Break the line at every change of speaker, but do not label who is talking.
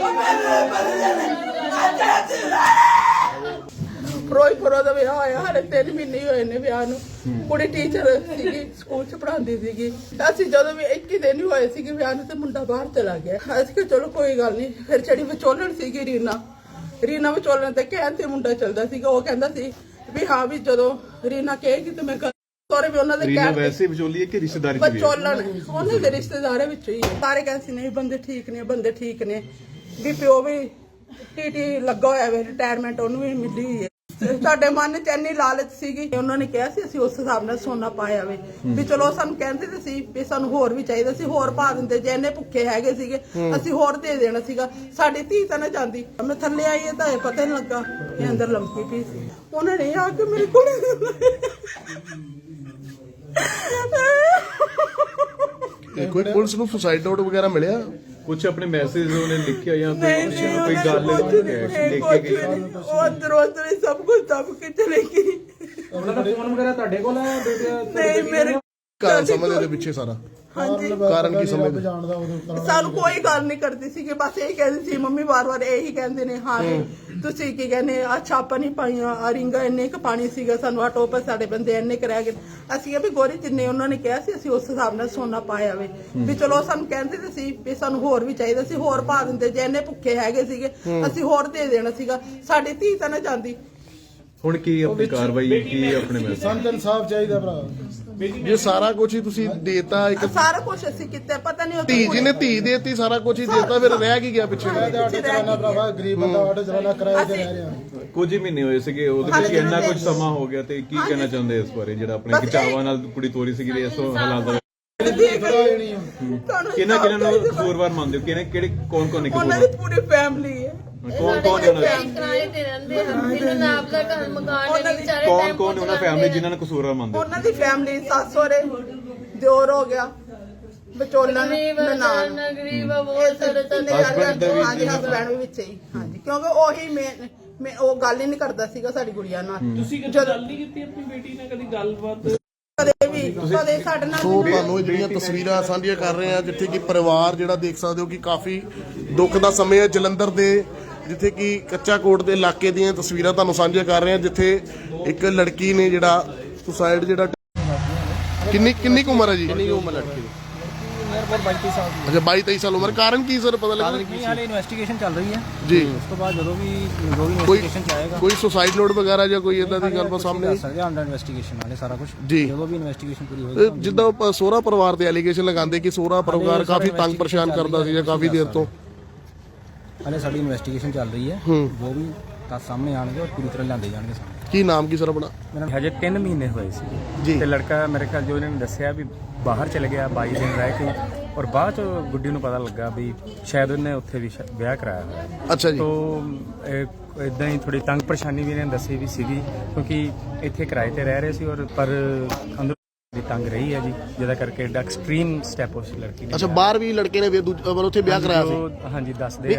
ਫਿਰੋਜ਼ਪੁਰ ਦਾ ਵਿਆਹ ਹੋਇਆ, ਹਾਲੇ 3 ਮਹੀਨੇ ਹੀ ਹੋਏ ਨੇ ਵਿਆਹ ਨੂੰ। ਕੁੜੀ ਟੀਚਰ ਸੀਗੀ, ਸਕੂਲ 'ਚ ਪੜ੍ਹਾਉਂਦੀ ਸੀਗੀ। ਅਸੀਂ ਜਦੋਂ ਵੀ 21 ਦਿਨ ਹੀ ਹੋਏ ਸੀਗੇ ਵਿਆਹ ਨੂੰ ਤੇ ਮੁੰਡਾ ਬਾਹਰ ਚਲਾ ਗਿਆ। ਅਸੀਂ ਕਿਹਾ ਚਲੋ ਕੋਈ ਗੱਲ ਨਹੀਂ। ਫਿਰ ਜਿਹੜੀ ਵਿਚੋਲਣ ਸੀਗੀ ਰੀਨਾ ਵਿਚੋਲਣ ਤੇ ਕਹਿਣ ਤੇ ਮੁੰਡਾ ਚੱਲਦਾ ਸੀਗਾ। ਉਹ ਕਹਿੰਦਾ ਸੀ ਵੀ ਹਾਂ ਵੀ ਜਦੋਂ ਰੀਨਾ ਕਹੇਗੀ ਤੇ ਮੈਂ ਸੋਰੇ ਵੀ ਉਹਨਾਂ ਦੇ ਕਹਿਣ
ਵੈਸੇ ਵਿਚੋਲੀ ਹੈ ਕਿ ਰਿਸ਼ਤੇਦਾਰੀ ਚ
ਵਿਚੋਲਣ ਉਹਨਾਂ ਦੇ ਰਿਸ਼ਤੇਦਾਰਾਂ ਵਿੱਚੋਂ ਹੀ ਹੈ। ਸਾਰੇ ਕਹਿੰਦੇ ਸੀ ਨਹੀਂ ਬੰਦੇ ਠੀਕ ਨੇ ਵੀ ਪਿਓ ਵੀ ਟੀਟੀ ਲੱਗਾ ਹੋਇਆ ਵੇ, ਰਿਟਾਇਰਮੈਂਟ ਉਹਨੂੰ ਵੀ ਮਿਲੀ ਹੋਈ ਹੈ। ਸਾਡੇ ਮਨ 'ਚ ਇੰਨੀ ਲਾਲਚ ਸੀਗੀ, ਉਹਨਾਂ ਨੇ ਕਿਹਾ ਸੀ ਅਸੀਂ ਉਸ ਹਿਸਾਬ ਨਾਲ ਸੋਨਾ ਪਾਇਆ ਵੇ ਵੀ ਚਲੋ ਸਾਨੂੰ ਕਹਿੰਦੇ ਤੇ ਸੀ ਵੀ ਸਾਨੂੰ ਹੋਰ ਵੀ ਚਾਹੀਦਾ ਸੀ, ਹੋਰ ਪਾ ਦਿੰਦੇ। ਜੇ ਇੰਨੇ ਭੁੱਖੇ ਹੈਗੇ ਸੀਗੇ ਅਸੀਂ ਹੋਰ ਦੇ ਦੇਣਾ ਸੀਗਾ। ਸਾਡੀ ਧੀ ਤਾਂ ਨਾ ਜਾਂਦੀ। ਮੈਂ ਥੱਲੇ ਆਈ ਤਾਂ ਇਹ ਪਤਾ ਨਹੀਂ ਲੱਗਾ ਇਹ ਅੰਦਰ ਲੰਕੀ ਪਈ ਸੀ। ਉਹਨਾਂ ਨੇ ਆ ਕੇ ਮੇਰੀ ਕੁੜੀ
ਕੋਈ ਪੁਲਿਸ ਨੂੰ ਸੁਸਾਈਡ ਨੋਟ ਵਗੈਰਾ ਮਿਲਿਆ?
ਕੁਝ ਆਪਣੇ ਮੈਸੇਜ ਉਹਨੇ ਲਿਖਿਆ ਜਾਂ ਕੋਈ ਗੱਲ ਲਿਖ ਕੇ ਗਈ?
ਉਹ ਅੰਦਰੋਂ ਹੀ ਸਭ ਕੁਝ ਦਬ ਕੇ ਚਲੇ ਗਈ।
ਉਹਨਾਂ ਦਾ ਫੋਨ ਵਗੈਰਾ ਤੁਹਾਡੇ ਕੋਲ ਹੈ?
ਨਹੀਂ ਮੇਰੇ
ਕਾਰਨ ਸਮਝਦੇ ਦੇ ਪਿੱਛੇ ਸਾਰਾ
ਹਾਂਜੀ
ਕਾਰਨ ਕੀ ਸਮਝਦੇ?
ਸਾਨੂੰ ਕੋਈ ਗੱਲ ਨਹੀਂ ਕਰਦੀ ਸੀ ਕਿ ਬਸ ਇਹ ਕਹਿੰਦੀ ਸੀ ਮੰਮੀ ਵਾਰ-ਵਾਰ ਇਹੀ ਕਹਿੰਦੇ ਨੇ ਹਾਂ ਵੀ ਤੁਸੀਂ ਕੀ ਕਹਿੰਦੇ ਆ ਛਾਪਾਂ ਨਹੀਂ ਪਾਈਆਂ, ਆ ਰਿੰਗਾ ਇੰਨੇ ਕ ਪਾਣੀ ਸੀਗਾ, ਸਾਨੂੰ ਆ ਟੋਪ ਸਾਡੇ ਬੰਦੇ ਇੰਨੇ ਕ ਰਹਿ ਗਏ। ਅਸੀਂ ਵੀ ਗੋਰੀ ਜਿੰਨੇ ਉਹਨਾਂ ਨੇ ਕਿਹਾ ਸੀ ਅਸੀਂ ਉਸ ਹਿਸਾਬ ਨਾਲ ਸੋਨਾ ਪਾਇਆ ਵੇ ਵੀ ਚਲੋ ਸਾਨੂੰ ਕਹਿੰਦੇ ਤੇ ਸੀ ਵੀ ਸਾਨੂੰ ਹੋਰ ਵੀ ਚਾਹੀਦਾ ਸੀ, ਹੋਰ ਪਾ ਦਿੰਦੇ। ਜੇ ਇੰਨੇ ਭੁੱਖੇ ਹੈਗੇ ਸੀਗੇ ਅਸੀਂ ਹੋਰ ਦੇ ਦੇਣਾ ਸੀਗਾ। ਸਾਡੀ ਧੀ ਤਾਂ ਨਾ ਜਾਂਦੀ।
ਹੁਣ ਕੀ ਆਪਣੀ ਕਾਰਵਾਈ ਕੀ ਆਪਣੇ ਮੈਸੇਜ?
ਸਾਨੂੰ ਇਨਸਾਫ ਚਾਹੀਦਾ ਭਰਾ।
ਜੇ ਸਾਰਾ ਕੁਝ ਹੀ ਤੁਸੀਂ ਦੇਤਾ, ਇੱਕ
ਸਾਰਾ ਕੁਝ ਅਸੀਂ ਕੀਤਾ, ਪਤਾ ਨਹੀਂ
ਧੀ ਜੀ ਨੇ ਧੀ ਦੇਤੀ, ਸਾਰਾ ਕੁਝ ਹੀ ਦੇਤਾ, ਫਿਰ ਰਹਿ ਕੀ ਗਿਆ ਪਿੱਛੇ?
ਆਟੋ ਚਲਾਣਾ ਭਰਾਵਾ, ਗਰੀਬ ਬੰਦਾ ਆਟੋ ਚਲਾਣਾ ਕਿਰਾਏ ਤੇ ਰਹਿ ਰਿਹਾ।
ਕੁਝ ਹੀ ਮਹੀਨੇ ਹੋਏ ਸੀਗੇ, ਉਹਦੇ ਵਿੱਚ ਇੰਨਾ ਕੁਝ ਸਮਾਂ ਹੋ ਗਿਆ। ਤੇ ਕੀ ਕਹਿਣਾ ਚਾਹੁੰਦੇ ਇਸ ਬਾਰੇ ਜਿਹੜਾ ਆਪਣੇ ਖਿਚਾਵਾਂ ਨਾਲ ਕੁੜੀ ਤੋਰੀ ਸੀਗੀ ਇਸ ਹਾਲਾਤ ਦਾ? ਕਿਹਨਾਂ ਨੂੰ ਕਸੂਰਵਾਰ ਮੰਨਦੇ ਹੋ? ਕਿਹੜੇ ਕੌਣ ਨੇ?
ਉਹਨਾਂ ਦੀ ਪੂਰੀ ਫੈਮਿਲੀ ਹੈ।
ਕੌਣ
ਕਿਰਾਏ ਤੇ ਰਹਿੰਦੇ ਹਨ, ਇਹਨਾਂ ਦਾ ਆਪਦਾ ਘਰ ਮਕਾਨ ਨਹੀਂ, ਵਿਚਾਰੇ
ਕੌਣ ਉਹਨਾਂ ਫੈਮਿਲੀ ਜਿਨ੍ਹਾਂ ਨੂੰ ਕਸੂਰਵਾਰ ਮੰਨਦੇ?
ਉਹਨਾਂ ਦੀ ਫੈਮਿਲੀ ਸੱਸ ਸਹੁਰੇ ਦਿਓਰ ਹੋ ਗਿਆ, ਵਿਚੋਲਣ ਨਨਾਣ
ਗਰੀਬ ਆ ਬਹੁਤ ਸਾਰੇ
ਹਾਂਜੀ ਹਸਬੈਂਡ ਵੀ ਵਿੱਚ ਹੀ। ਹਾਂਜੀ ਕਿਉਂਕਿ ਉਹੀ ਮੈਂ ਉਹ ਗੱਲ ਹੀ ਨਹੀਂ ਕਰਦਾ ਸੀਗਾ ਸਾਡੀ ਗੁੜੀਆ ਨਾਲ।
ਤੁਸੀਂ ਕਦੇ ਗੱਲ ਨਹੀਂ ਕੀਤੀ ਆਪਣੀ ਬੇਟੀ ਨਾਲ? ਕਦੀ ਗੱਲਬਾਤ
ਕਦੇ ਸਾਡੇ ਨਾਲ?
ਸੋ ਤੁਹਾਨੂੰ ਇਹ ਜਿਹੜੀਆਂ ਤਸਵੀਰਾਂ ਸਾਂਝੀਆਂ ਕਰ ਰਹੇ ਆ ਜਿੱਥੇ ਕਿ ਪਰਿਵਾਰ ਜਿਹੜਾ ਦੇਖ ਸਕਦੇ ਹੋ ਕਿ ਕਾਫੀ ਦੁੱਖ ਦਾ ਸਮੇਂ ਹੈ ਜਲੰਧਰ ਦੇ, ਜਿੱਥੇ ਕਿ ਕੱਚਾ ਕੋਟ ਦੇ ਇਲਾਕੇ ਦੀਆਂ ਤਸਵੀਰਾਂ ਤੁਹਾਨੂੰ ਸਾਂਝੀਆਂ ਕਰ ਰਹੇ ਆ ਜਿੱਥੇ ਇੱਕ ਲੜਕੀ ਨੇ ਜਿਹੜਾ ਸੁਸਾਈਡ ਜਿਹੜਾ ਕਿੰਨੀ ਕੁ ਉਮਰ ਹੈ ਜੀ?
ਕਿੰਨੀ ਉਮਰ ਲੜਕੀ ਦੀ? ਮੇਰੇ ਕੋਲ 22 ਸਾਲ ਦੀ।
ਅੱਛਾ 22-23 ਸਾਲ ਉਮਰ। ਕਾਰਨ ਕੀ ਸਰ ਪਤਾ ਲੱਗਾ?
ਨਹੀਂ ਹਾਲੇ ਇਨਵੈਸਟੀਗੇਸ਼ਨ ਚੱਲ ਰਹੀ ਹੈ
ਜੀ।
ਉਸ ਤੋਂ ਬਾਅਦ ਜਦੋਂ ਵੀ ਇਨਵੈਸਟੀਗੇਸ਼ਨ ਚ ਆਏਗਾ
ਕੋਈ ਸੁਸਾਈਡ ਨੋਟ ਵਗੈਰਾ ਜਾਂ ਕੋਈ ਇਦਾਂ ਦੀ ਗੱਲਬਾਤ ਸਾਹਮਣੇ
ਆ ਸਕਦੇ ਅੰਡਰ ਇਨਵੈਸਟੀਗੇਸ਼ਨ ਵਾਲੇ ਸਾਰਾ ਕੁਝ
ਜੀ।
ਜਦੋਂ ਵੀ ਇਨਵੈਸਟੀਗੇਸ਼ਨ ਪੂਰੀ ਹੋਏਗੀ
ਜਿੱਦਾਂ ਸੋਹਰਾ ਪਰਿਵਾਰ ਤੇ ਐਲੀਗੇਸ਼ਨ ਲਗਾਉਂਦੇ ਕਿ ਸੋਹਰਾ ਪਰਿਵਾਰ ਕਾਫੀ ਤੰਗ ਪਰੇਸ਼ਾਨ ਕਰਦਾ ਸੀ ਜਾਂ ਕਾਫੀ ਦੇਰ ਤੋਂ।
ਹਾਲੇ ਸਾਡੀ ਇਨਵੈਸਟੀਗੇਸ਼ਨ ਚੱਲ ਰਹੀ ਹੈ, ਜੋ ਵੀ ਤਾਂ ਸਾਹਮਣੇ ਆਣਗੇ ਔਰ ਪੂਰੀ ਤਰ੍ਹਾਂ ਲਿਆਂਦੇ ਜਾਣਗੇ ਸਾਹਮਣੇ।
ਕੀ ਨਾਮ ਕੀ ਸਰ ਆਪਣਾ?
ਮੇਰਾ ਹਜੇ 3 ਮਹੀਨੇ ਹੋਏ ਸੀ ਤੇ ਲੜਕਾ ਮੇਰੇ ਖਿਆਲ ਜੋ ਇਹਨਾਂ ਨੇ ਦੱਸਿਆ ਵੀ ਬਾਹਰ ਚਲੇ ਗਿਆ 22 ਦਿਨ ਰਹਿ ਕੇ, ਔਰ ਬਾਅਦ ਚ ਗੁੱਡੀ ਨੂੰ ਪਤਾ ਲੱਗਾ ਵੀ ਸ਼ਾਇਦ ਉਹਨੇ ਉੱਥੇ ਵੀ ਵਿਆਹ ਕਰਾਇਆ ਹੋਇਆ।
ਅੱਛਾ ਜੀ।
ਤੋਂ ਇਦਾਂ ਹੀ ਥੋੜੀ ਤੰਗ ਪਰੇਸ਼ਾਨੀ ਵੀ ਇਹਨਾਂ ਨੇ ਦੱਸੀ ਵੀ ਸੀਗੀ ਕਿਉਂਕਿ ਇੱਥੇ ਕਿਰਾਏ ਤੇ ਰਹਿ ਰਹੇ ਸੀ ਔਰ ਪਰ ਅੰਦਰ ਦੀ ਤੰਗ ਰਹੀ ਹੈ ਜੀ, ਜਿਹਦਾ ਕਰਕੇ ਐਡਾ ਐਕਸਟ੍ਰੀਮ ਸਟੈਪ ਉਸ ਲੜਕੀ ਨੇ।
ਅੱਛਾ ਬਾਹਰ ਵੀ ਲੜਕੇ ਨੇ ਉੱਥੇ ਵਿਆਹ ਕਰਾਇਆ ਸੀ?
ਹਾਂਜੀ ਦੱਸਦੇ